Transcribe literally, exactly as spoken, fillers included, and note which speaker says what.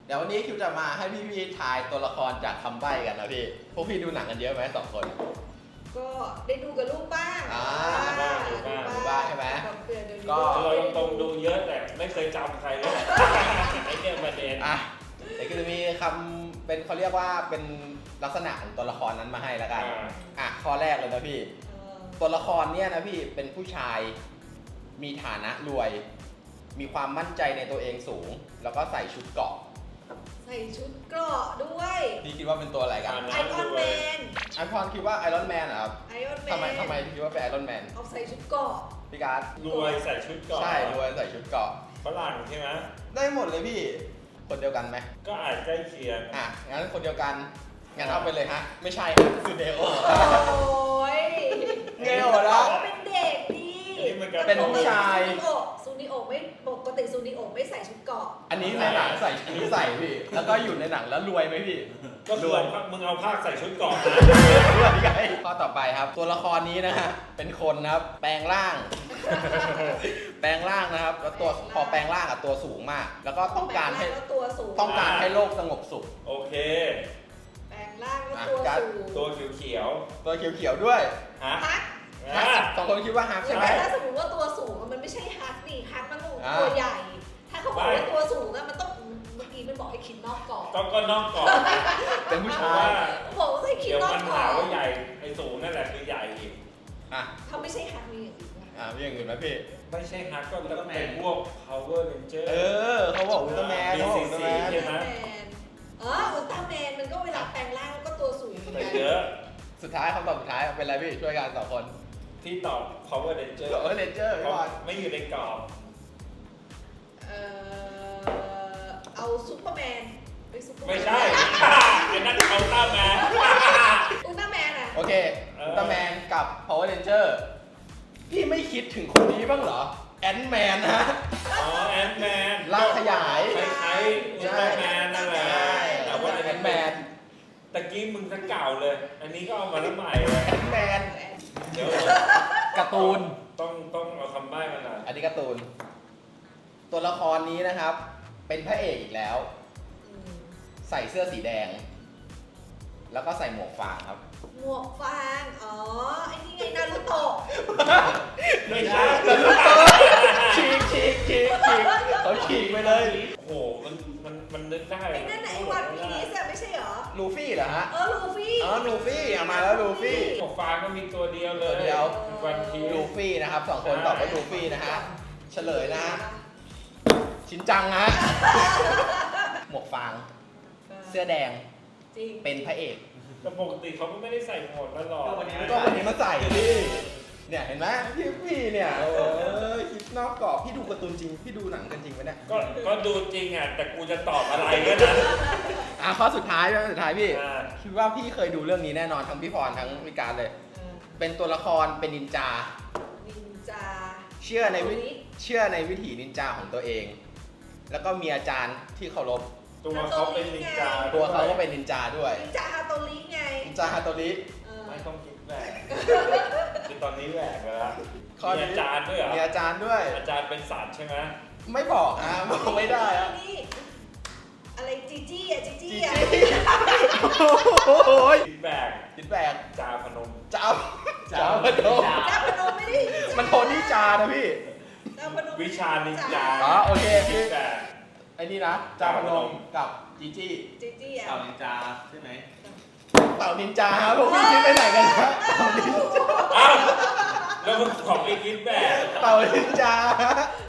Speaker 1: เดี๋ยววันนี้คิวจะมาให้พี่ๆทายตัวละครจากคำใบ้กันนะพี่พวกพี่ดูหนังกันเยอะไหมสองคน
Speaker 2: ก็ได้ดูกับลูกบ้าง
Speaker 1: อ่า
Speaker 3: บ้างดูบ้าง
Speaker 1: ดูบ้างใช่ไหม ก็
Speaker 3: เราตรงๆดูเยอะแต่ไม่เคยจำใครเลยไอ้เนี่ยประเด็น
Speaker 1: อ่ะเดี๋ยวก็จะมีคำเป็นเขาเรียกว่าเป็นลักษณะของตัวละครนั้นมาให้แล้วกัน
Speaker 3: อ่า
Speaker 1: อ่ะข้อแรกเลยนะพี่ ตัวละครเนี่ยนะพี่เป็นผู้ชายมีฐานะรวย มีความมั่นใจในตัวเองสูง แล้วก็ใส่ชุดเกราะ
Speaker 2: ใส่ชุดเกราะด้วย
Speaker 1: พี่คิดว่าเป็นตัวอะไรกัน
Speaker 2: ไอออนแมน
Speaker 1: ไอพอนคิดว่าไอรอนแมนเหรอครับ
Speaker 2: ไอออนแมน
Speaker 1: ทำไมทำไมถึงคิดว่าเป็นไอรอนแมน
Speaker 2: เอาใส่ชุดเกราะ
Speaker 1: พี่การ์ด
Speaker 3: รวยใส่ชุดเก่อน
Speaker 1: ใช่รวยใส่ชุดเกราะ
Speaker 3: ฝรั่งใช่ไหม
Speaker 1: ได้หมดเลยพี่คนเดียวกันไหม
Speaker 3: ก็อาจใกล้เคียง
Speaker 1: อ่ะงั้นคนเดียวกันงั้นเอาไปเลยฮะไม่ใช่ครับคือเดโอ
Speaker 2: โอ้ย
Speaker 1: เงยหัวเราะ
Speaker 2: เขาเป็นเด็กดี
Speaker 3: นี่มันก็
Speaker 1: เป็นผู้ชาย
Speaker 2: ซูนิโอซูนิโอไม่ปกติซูนิโอไม่ใส่ชุดเกราะ
Speaker 1: อันนี้ในหนังใส่อันนี้ใส่พี่แล้วก็อยู่ในหนังแล้วรวยไหมพี่
Speaker 3: ก็คือเอามึงเอาผ้าใส่ชุดเก่อนนะ
Speaker 1: รวยไงข้อต่อไปครับ ตัวละครนี้นะฮะเป็นคนนะครับแปลงร่าง แปลงร่างนะครับแล้วตัวพอแปลงร่างอะตัวสูงมาก แล้วก็ต้องการให้
Speaker 2: แล้วตัวสูง
Speaker 1: ต้องการให้โลกสงบสุข
Speaker 3: โอเค
Speaker 2: แปลงร่างแล้วตัว
Speaker 1: อ่ะ
Speaker 2: สูง
Speaker 3: ตัวเขียว
Speaker 1: ตัวเขียวๆด้วย
Speaker 3: ๆฮะ
Speaker 2: ฮัก
Speaker 3: อ่ะ
Speaker 1: สองคนคิดว่าฮักใช่ไหม
Speaker 2: ถ้าสมมติว่าตัวสูงมันไม่ใช่ฮักนี่ฮักมันต้อง
Speaker 1: อ่า
Speaker 2: ตัวใหญ่ ถ้าเขาบอกว่าตัวสูงอะมันต้องเมื่อกี้มันบอกให้คิดนอกกรอบ
Speaker 3: ก็ก็นอกก่อน
Speaker 1: เป็นผู้
Speaker 3: เพ
Speaker 1: ชา
Speaker 3: ราะว่าย
Speaker 2: บอกว่าให้คิด
Speaker 3: เดี๋ยวน
Speaker 2: อก
Speaker 3: มัน
Speaker 2: กรอ
Speaker 3: หา
Speaker 2: บ
Speaker 3: ว่าใหญ่ไอ้สูงนั่นแหละคือใหญ่อีก
Speaker 1: อ่ะ
Speaker 2: ถ้าไม่ใช่ฮักมีอย่างอื่นไหม
Speaker 1: อ่ะมีอย่างอื่นไหมพี่
Speaker 3: ไม่ใช่ฮักก็ต้องเป็นพวก power ranger
Speaker 1: เออเขาบอกอุลตร้าแมนเขาบอกอุลตร้าแมน
Speaker 3: ใช่ไหม
Speaker 2: แมนเอออุลตร้าแมนมันก็เวลาแปลงร่างก็ตัวสูงเหมือน
Speaker 3: แต่
Speaker 2: กัน
Speaker 3: เยอะ
Speaker 1: สุดท้ายคำตอบสุดท้ายเป็นอะไรพี่ช่วยกันสองคน
Speaker 3: ที่ตอบ power ranger
Speaker 1: เออเลนเจอร์
Speaker 3: เพ
Speaker 1: ก่
Speaker 3: ราะ
Speaker 1: อน
Speaker 3: ไม่อยู่ในกรอบ
Speaker 2: เออเอาซูเปอร์แมนไปซูเปอร์แมน
Speaker 3: ไม่ใช่ ไอ้นั่นเอาต้าแมน
Speaker 2: อุลตร้าแมนอะ
Speaker 1: โอเค
Speaker 3: เออ
Speaker 1: อุลตร้าแมนกับ Power Ranger พี่ไม่คิดถึงคนนี้บ้างเหรอแอนแมนนะ
Speaker 3: อ๋อแอนแมน
Speaker 1: ร่างขยาย
Speaker 3: คล้ายๆอุลตร้าแมนนั่นแหละแต่ว่า
Speaker 1: แอนแมน
Speaker 3: ตะกี้มึงทั้งเก่าเลย อันนี้ก็เอามาแล้วใหม่เลย
Speaker 1: แอนแมน
Speaker 3: เดี๋ยว
Speaker 1: การ์ตูน
Speaker 3: ต้องต้องเอาคำใบ้มาหน่อย
Speaker 1: อันนี้การ์ตูน ตัวละครนี้นะครับ เป็นพระเอกอีกแล้ว
Speaker 2: อืม
Speaker 1: ใส่เสื้อสีแดง แล้วก็ใส่หมวกฟางครับ
Speaker 2: หมวกฟางอ๋อไอ้นี่ไงนารูโตะ
Speaker 3: ไม่ใช่
Speaker 1: ฉีกฉีกฉีกฉีกเขาฉีกไปเลย
Speaker 3: โอ้โหมันมันมันนึกได้
Speaker 2: ไอ้นั่นน่ะไอ้วันพีซอะไม่ใช่เหรอ
Speaker 1: ลูฟี่เหรอฮะ
Speaker 2: เออลูฟี่
Speaker 1: อ๋อลูฟี่เอามาแล้วลูฟี่
Speaker 3: หมวกฟางก็มีตัวเดียวเลย
Speaker 1: ตัวเดียว
Speaker 3: วันที
Speaker 1: ลูฟี่นะครับสองคนตอบว่าลูฟี่นะฮะ เฉลยนะฮะ ชินจังฮะ หมวกฟาง เสื้อแดง
Speaker 2: จริง
Speaker 1: เป็นพระเอก
Speaker 3: แต่ปกติเขาก็ไม่ได้ใส่หมวกตลอด
Speaker 1: ก็วันนี้มาใส่พี่เนี่ยเห็นไหมพี่พี่เนี่ยเออคิดนอกกรอบพี่ดูการ์ตูนจริง พี่ดูหนังกันจริงไหมเนี่ย
Speaker 3: ก็ก็ดูจริงอ่ะ แต่กูจะตอบอะไรก็นะ
Speaker 1: อ่ะข้อสุดท้ายข้อสุดท้ายพี่
Speaker 3: อ่า
Speaker 1: คิดว่าพี่เคยดูเรื่องนี้แน่นอนทั้งพี่พรทั้งพี่การเลย
Speaker 2: เออ
Speaker 1: เป็นตัวละครเป็นนินจา
Speaker 2: นินจา
Speaker 1: เชื่อในวิ
Speaker 2: ตัวนี้
Speaker 1: เชื่อในวิถีนินจาของตัวเอง แล้วก็มีอาจารย์ที่เคารพ
Speaker 3: ตัวเขาเป็นนินจา
Speaker 1: ตัวเขาก็เป็นนินจาด้วย
Speaker 2: นินจาฮาโตริไง
Speaker 1: นินจาฮาโตริ
Speaker 2: เออ
Speaker 3: ไม่ต้องคิดแหวกคือตอนนี้แหวกไปแล้ว
Speaker 1: ข้อ
Speaker 3: มี
Speaker 1: นี้
Speaker 3: อาจารย์ด้วยเหรอ
Speaker 1: มีอาจารย์ด้วย
Speaker 3: อาจารย์เป็นศาสตร์ใช่ไหม
Speaker 1: ไม่บอกอ่ะบอกไม่ได้อ่ะ
Speaker 2: นี่อะไรจีจี้อะจีจี้
Speaker 1: จี
Speaker 2: อะ
Speaker 1: จี้โอ้ย
Speaker 3: คิดแหวก
Speaker 1: คิดแบก
Speaker 3: จาพนม
Speaker 1: จ้าจ้าพนม
Speaker 2: จาพนมไม่ได้
Speaker 1: มันโทนี่จานะพี่
Speaker 2: จาพนม
Speaker 3: วิชานินจา
Speaker 1: อ๋อโอเค
Speaker 3: คิ
Speaker 1: พี่
Speaker 3: ดแหวก
Speaker 1: ไอ้นี่นะจาพนมกับจีจี้
Speaker 2: จีจี้อะ
Speaker 4: เต่านินจาใช่ไหม
Speaker 1: เต่านินจาครับพวกพี่คิดไปไหนกันนะเต่านินจา
Speaker 3: อ้าวแล้วมึงของไอ้คิดแหวก
Speaker 1: เต่านินจา